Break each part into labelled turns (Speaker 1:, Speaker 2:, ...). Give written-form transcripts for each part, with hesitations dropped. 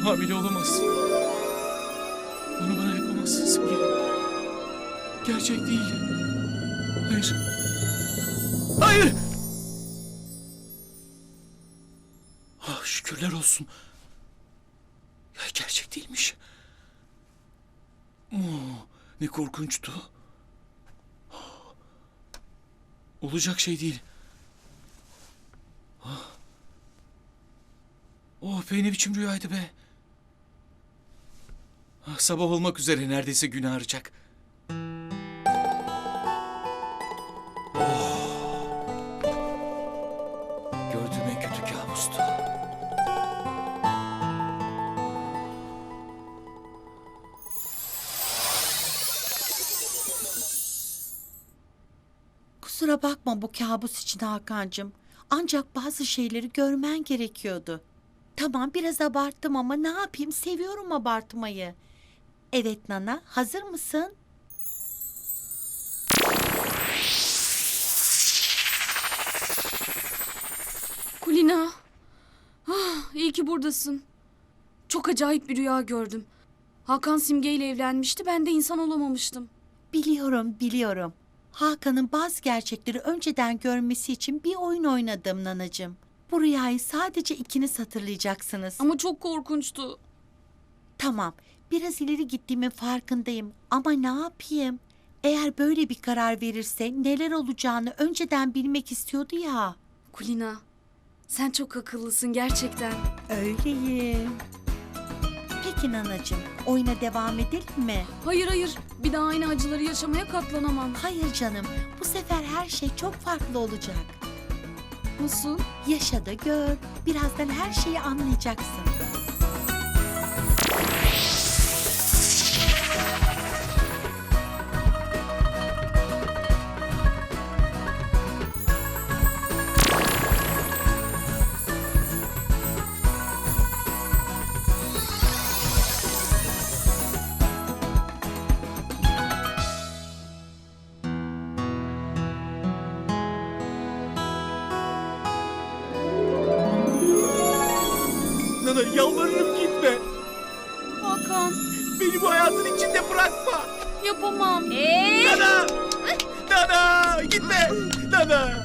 Speaker 1: Hamile olamazsın. Bunu bana yapamazsın Simge. Gerçek değil. Hayır. Hayır! Ah, şükürler olsun. Ya, gerçek değilmiş. Ne korkunçtu. Olacak şey değil. Oh be, ne biçim rüyaydı be. Sabah olmak üzere, neredeyse gün ağaracak. Gördüğüm en kötü kabustu.
Speaker 2: Kusura bakma bu kabus için Hakan'cığım. Ancak bazı şeyleri görmen gerekiyordu. Tamam, biraz abarttım ama ne yapayım, seviyorum abartmayı. Evet Nana, hazır mısın?
Speaker 3: Kulina. İyi ki buradasın. Çok acayip bir rüya gördüm. Hakan Simge ile evlenmişti, ben de insan olamamıştım.
Speaker 2: Biliyorum. Hakan'ın bazı gerçekleri önceden görmesi için bir oyun oynadım Nanacığım. Bu rüyayı sadece ikiniz hatırlayacaksınız.
Speaker 3: Ama çok korkunçtu.
Speaker 2: Tamam, biraz ileri gittiğimin farkındayım ama ne yapayım? Eğer böyle bir karar verirse neler olacağını önceden bilmek istiyordu ya.
Speaker 3: Kulina, sen çok akıllısın gerçekten.
Speaker 2: Öyleyim. Peki Nanacığım, oyuna devam edelim mi?
Speaker 3: Hayır, bir daha aynı acıları yaşamaya katlanamam.
Speaker 2: Hayır canım, bu sefer her şey çok farklı olacak.
Speaker 3: Nasıl?
Speaker 2: Yaşa da gör, birazdan her şeyi anlayacaksın.
Speaker 1: Nana, yalvarırım gitme.
Speaker 3: Hakan,
Speaker 1: Beni bu hayatın içinde bırakma.
Speaker 3: yapamam.
Speaker 1: Nana! Nana! Gitme! Nana!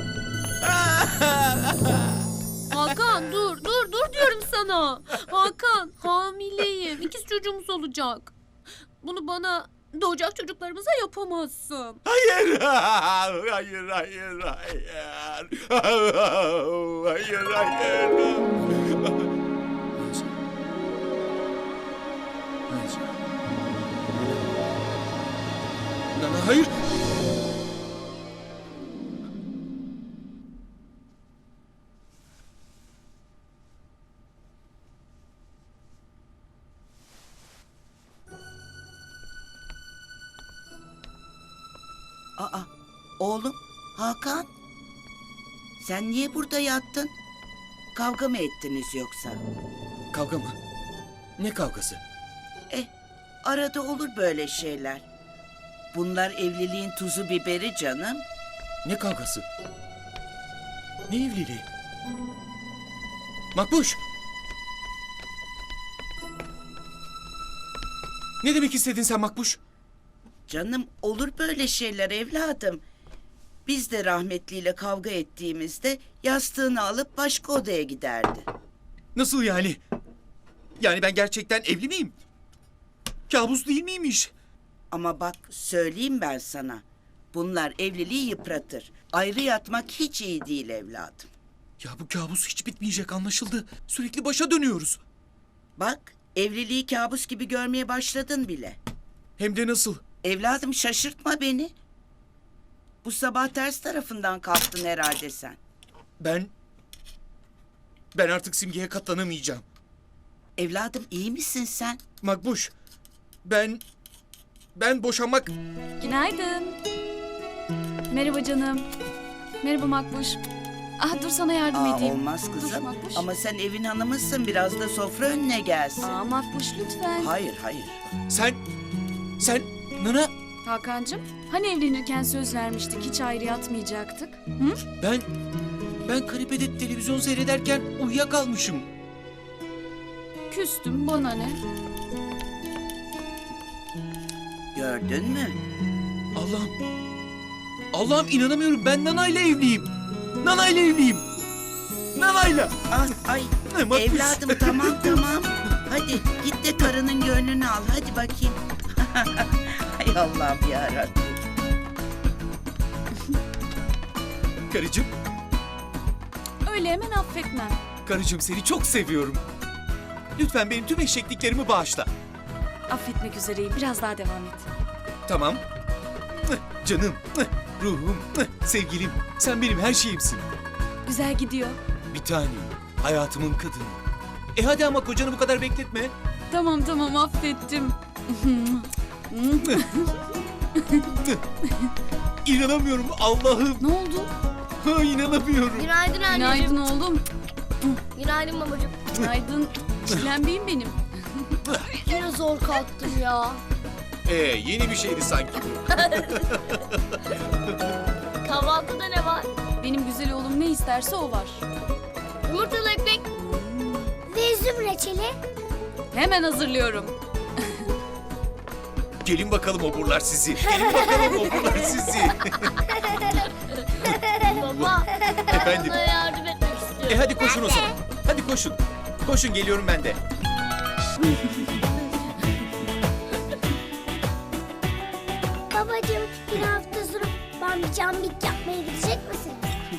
Speaker 4: Hakan dur diyorum sana. Hakan, hamileyim. İkiz çocuğumuz olacak. Bunu bana doğacak çocuklarımıza yapamazsın.
Speaker 1: Hayır! Hayır! Hayır! Nana, hayır!
Speaker 5: Aa, oğlum, Hakan. Sen niye burada yattın? Kavga mı ettiniz yoksa?
Speaker 1: Kavga mı? Ne kavgası?
Speaker 5: Arada olur böyle şeyler. Bunlar evliliğin tuzu biberi canım.
Speaker 1: Ne kavgası? Ne evliliği? Makbuş! Ne demek istedin sen Makbuş?
Speaker 5: Canım, olur böyle şeyler evladım. Biz de rahmetliyle kavga ettiğimizde yastığını alıp başka odaya giderdi.
Speaker 1: Nasıl yani? Yani ben gerçekten evli miyim? Kabus değil miymiş?
Speaker 5: Ama bak, söyleyeyim ben sana. Bunlar evliliği yıpratır. Ayrı yatmak hiç iyi değil evladım.
Speaker 1: Ya bu kabus hiç bitmeyecek, anlaşıldı. Sürekli başa dönüyoruz.
Speaker 5: Bak, evliliği kabus gibi görmeye başladın bile.
Speaker 1: Hem de nasıl?
Speaker 5: Evladım, şaşırtma beni. Bu sabah ters tarafından kalktın herhalde sen.
Speaker 1: Ben artık Simge'ye katlanamayacağım.
Speaker 5: Evladım, iyi misin sen?
Speaker 1: Makbuş, ben boşanmak...
Speaker 3: Günaydın. Merhaba canım. Merhaba Makbuş. Dur sana yardım edeyim.
Speaker 5: Olmaz
Speaker 3: Dur
Speaker 5: kızım.
Speaker 3: Makbuş.
Speaker 5: Ama sen evin hanımısın, biraz da sofra önüne gelsin.
Speaker 3: Makbuş lütfen.
Speaker 5: Hayır.
Speaker 1: Sen, Nana,
Speaker 3: Hakan'cığım, hani evlenirken söz vermiştik, hiç ayrı yatmayacaktık? Hı?
Speaker 1: ben kanepede televizyon seyrederken uyuyakalmışım.
Speaker 3: Küstüm, bana ne?
Speaker 5: Gördün mü?
Speaker 1: Allah'ım. Allah'ım inanamıyorum. Ben Nana'yla evliyim. Nana'yla evliyim. Nana'yla.
Speaker 5: Ay
Speaker 1: Ne makbuz.
Speaker 5: evladım tamam. Hadi git de karının gönlünü al. Hadi bakayım. Hay Allah'ım yarabbim.
Speaker 1: Karıcığım.
Speaker 3: Öyle hemen affetmem.
Speaker 1: Karıcığım seni çok seviyorum. Lütfen benim tüm eşekliklerimi bağışla.
Speaker 3: Affetmek üzereyim. Biraz daha devam et.
Speaker 1: Tamam. Canım, ruhum, sevgilim. Sen benim her şeyimsin.
Speaker 3: Güzel gidiyor.
Speaker 1: Bir tanem. Hayatımın kadını. Hadi ama kocanı bu kadar bekletme.
Speaker 3: Tamam affettim.
Speaker 1: İnanamıyorum Allah'ım.
Speaker 3: Ne oldu?
Speaker 1: İnanamıyorum.
Speaker 4: Günaydın anneciğim.
Speaker 3: Günaydın oğlum.
Speaker 4: Günaydın babacığım.
Speaker 3: Günaydın. Çilenbeyim benim.
Speaker 4: Yine zor kalktım ya.
Speaker 1: Yeni bir şeydi sanki bu.
Speaker 4: Kahvaltıda ne var?
Speaker 3: Benim güzel oğlum ne isterse o var.
Speaker 4: Yumurtalı ekmek.
Speaker 6: Ve üzüm reçeli.
Speaker 3: Hemen hazırlıyorum.
Speaker 1: Gelin bakalım oburlar sizi. Gelin bakalım oburlar sizi.
Speaker 4: Baba.
Speaker 1: Efendim.
Speaker 4: Bana yardım etmek istiyorum.
Speaker 1: Hadi koşun o zaman. Hadi koşun. Koşun geliyorum ben de.
Speaker 6: Babacığım bir hafta sonra bambi cambik yapmaya gidecek misiniz?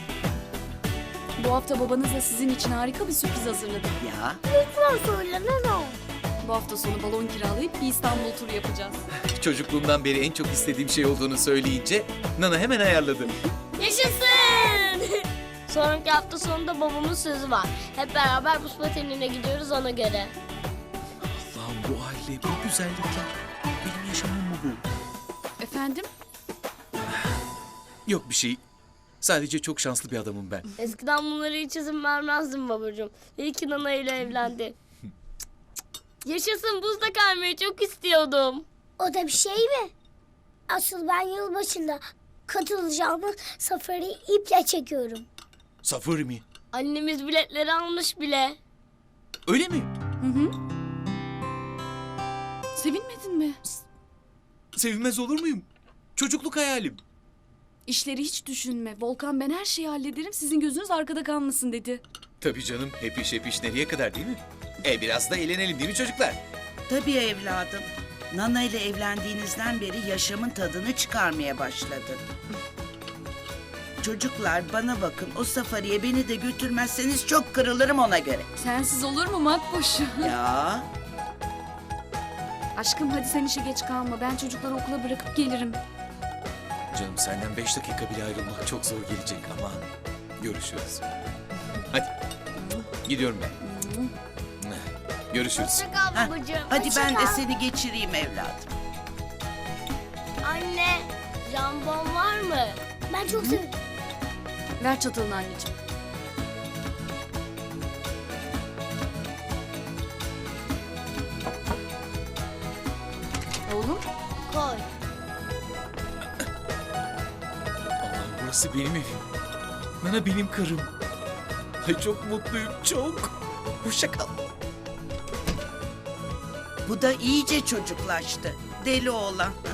Speaker 3: Bu hafta babanızla sizin için harika bir sürpriz hazırladım.
Speaker 5: Ya
Speaker 6: Lütfen söyle ne olur.
Speaker 3: Bu hafta sonu balon kiralayıp bir İstanbul turu yapacağız.
Speaker 1: Çocukluğumdan beri en çok istediğim şey olduğunu söyleyince Nana hemen ayarladı.
Speaker 4: Yaşasın. Sonraki hafta sonunda babamın sözü var. Hep beraber buz patenine gidiyoruz ona göre.
Speaker 1: Allah'ım bu aile, bu güzellikler. Benim yaşamım mı bu?
Speaker 3: Efendim?
Speaker 1: Yok bir şey. Sadece çok şanslı bir adamım ben.
Speaker 4: Eskiden bunları hiç izin vermezdim babacığım. İyi ki Nana ile evlendi. Yaşasın, buzda kaymayı çok istiyordum.
Speaker 6: O da bir şey mi? Asıl ben yılbaşında katılacağımız safari iple çekiyorum.
Speaker 1: Safari mi?
Speaker 4: Annemiz biletleri almış bile.
Speaker 1: Öyle mi?
Speaker 3: Sevinmedin mi?
Speaker 1: Sevinmez olur muyum? Çocukluk hayalim.
Speaker 3: İşleri hiç düşünme. Volkan ben her şeyi hallederim. Sizin gözünüz arkada kalmasın dedi.
Speaker 1: Tabii canım, hep iş nereye kadar değil mi? Biraz da eğlenelim değil mi çocuklar?
Speaker 5: tabii evladım. Nana ile evlendiğinizden beri yaşamın tadını çıkarmaya başladın. Çocuklar bana bakın, o safariye beni de götürmezseniz çok kırılırım ona göre.
Speaker 3: Sensiz olur mu Makbuş?
Speaker 5: Ya
Speaker 3: Aşkım hadi sen işe geç kalma. Ben çocukları okula bırakıp gelirim.
Speaker 1: Canım senden 5 dakika bile ayrılmak çok zor gelecek ama görüşürüz. Hadi. Gidiyorum ben. Görüşürüz.
Speaker 4: Hoşça kal
Speaker 5: hah,
Speaker 4: babacığım.
Speaker 5: hadi
Speaker 6: Hoşça
Speaker 5: ben de
Speaker 6: kal.
Speaker 5: seni geçireyim evladım.
Speaker 4: Anne, jambon var mı?
Speaker 6: Ben çok seviyorum.
Speaker 3: Ver çatalını anneciğim. Oğlum
Speaker 4: Koy.
Speaker 1: Allah'ım burası benim evim. Nana benim karım. Ay çok mutluyum, çok. Hoşça kal.
Speaker 5: Bu da iyice çocuklaştı. Deli oğlan.